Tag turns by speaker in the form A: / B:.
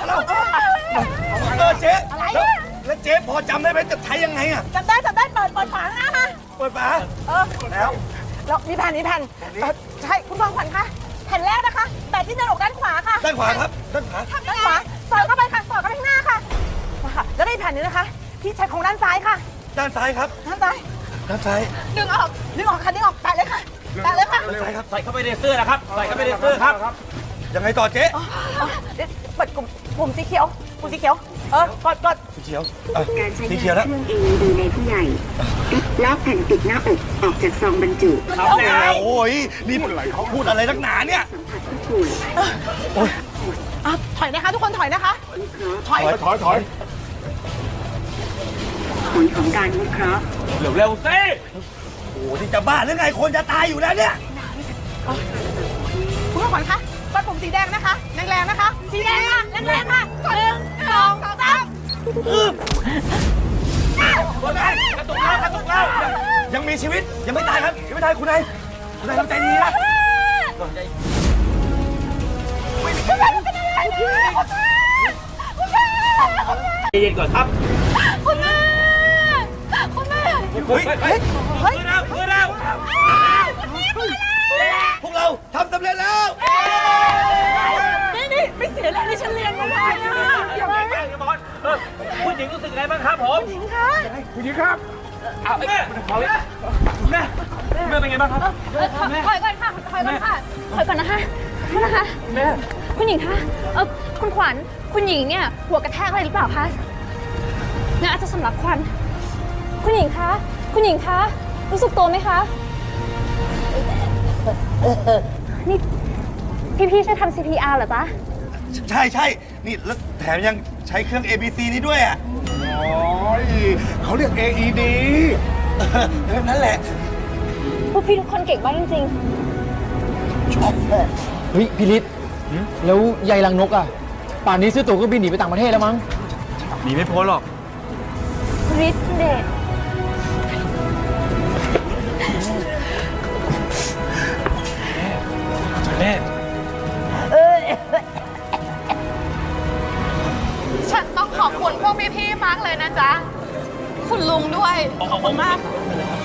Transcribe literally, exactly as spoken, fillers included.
A: แล้วเออเจ๊แล้วแล้วเจ๊พอจำได้ไหมจะใช้ยังไงอะ
B: จำได้จำได้เปิดเปิดฝาหน้ามา
A: เปิดฝา
B: เออ
A: แล้ว
B: แล้วมีแผ่นมีแผ่นใช่คุณทองขวัญคะแผ่นแรกนะคะแต่ที่หน้าอกด้านขวาค่ะ
A: ด้านขวาครับด้านขวา
B: ด้านขวาสอดเข้าไปค่ะสอดเข้าไปข้างหน้าค่ะค่ะแล้วได้แผ่นนึงนะคะที่ใช้ของด้านซ้ายค่ะ
A: ด้านซ้ายครับ
B: ด้านซ้าย
A: ด้านซ้าย
B: ดึงออกดึงออกค่ะดึงออกแตะเลยค่ะแตะเลยค่ะ
A: ด้านซ้ายครับ
C: ใส่เข้าไปในเสื้อนะครับใส่เข้าไปในเสื้อครับ
A: ยังไงต่อเจ๊
B: เปิดกลุ่มกลุ่มสีเขียวกลุ่มสีเขียวเออกดกด
A: สีเขียว
D: การใช้งานเครื่อง เอ อี ดี ในผู้ใหญ่ลอกแผ่นปิดหน้าอกออกจากซองบรรจุ
A: ครับโอ้ยนี่เขาพูดอะไรนักหนาเนี่ย
D: สัมผัสผู้ป่วย
A: โอ้ย
B: ถอยนะคะทุกคนถอยนะคะ
A: ถอยถอยถอย
D: ผลของการวิเคราะห์
C: เร็วเร็วสิ
A: โอ้นี่จะบ้าหรือไงคนจะตายอยู่แล้วเนี่ย
B: คุณขวัญคะกดปุ่มสีแดงนะคะแรงๆนะคะสีแดงค่ะแรงๆค่ะหนึ่งสองสาม
A: กระตุกแล้วกระตุกแล้วยังมีชีวิตยังไม่ตายครับยังไม่ตายคุณนายคุณนายทำใจดีนะ
B: คุณแม่คุณแม่คุณแม่
C: ใจเย็นก่อนครับ
B: คุณแม่คุณแม่
A: เฮ้ยเฮ้ย
C: เฮ้ยแล้วเฮ้ยแล้ว
A: พวกเราทำสำเร็จแล้ว
B: นี่นี่ไม่เสียแรงที่ฉันเรียนมาเลยอ่ะ
C: อย่าไปแกล้งอย่าบอลคุณหญิงรู้สึกไงบ้างครับผม
B: คุณหญิงคะ
C: คุณหญิงครับอ้าวแม่แม่แม่เป็นไงบ้างครับ
E: ถอยก่อนค่ะถอยก่อนค่ะถอยก่อนนะคะนะคะแม่คุณหญิงคะเออคุณขวัญคุณหญิงเนี่ยหัวกระแทกอะไรหรือเปล่าคะงั้นอาจจะสำลักควันคุณหญิงคะคุณหญิงคะรู้สึกตัวไหมคะนี่พี่ๆใช้ทำ ซี พี อาร์ เหรอจ๊ะ
A: ใช่ใช่นี่แล้วแถมยังใช้เครื่อง เอ บี ซี นี้ด้วยอ่ะ
F: โอ้ยเขาเรียก เอ อี ดี
A: นั่นแหละ
E: พวกพี่ทุกคนเก่งมากจริง
A: ๆชอบแม่
G: เฮ้ยพี่ฤทธิ์แล้วยายลังนกอ่ะป่านนี้ซื้อตั๋วเครื่องบินหนีไปต่างประเทศแล้วมั้ง
C: หนีไม่พ้นหรอก
E: ฤทธิ์เดช
C: แม่
H: ฉันต้องขอบคุณพวกพี่ๆมากเลยนะจ๊ะคุณลุงด้วยขอบคุณมาก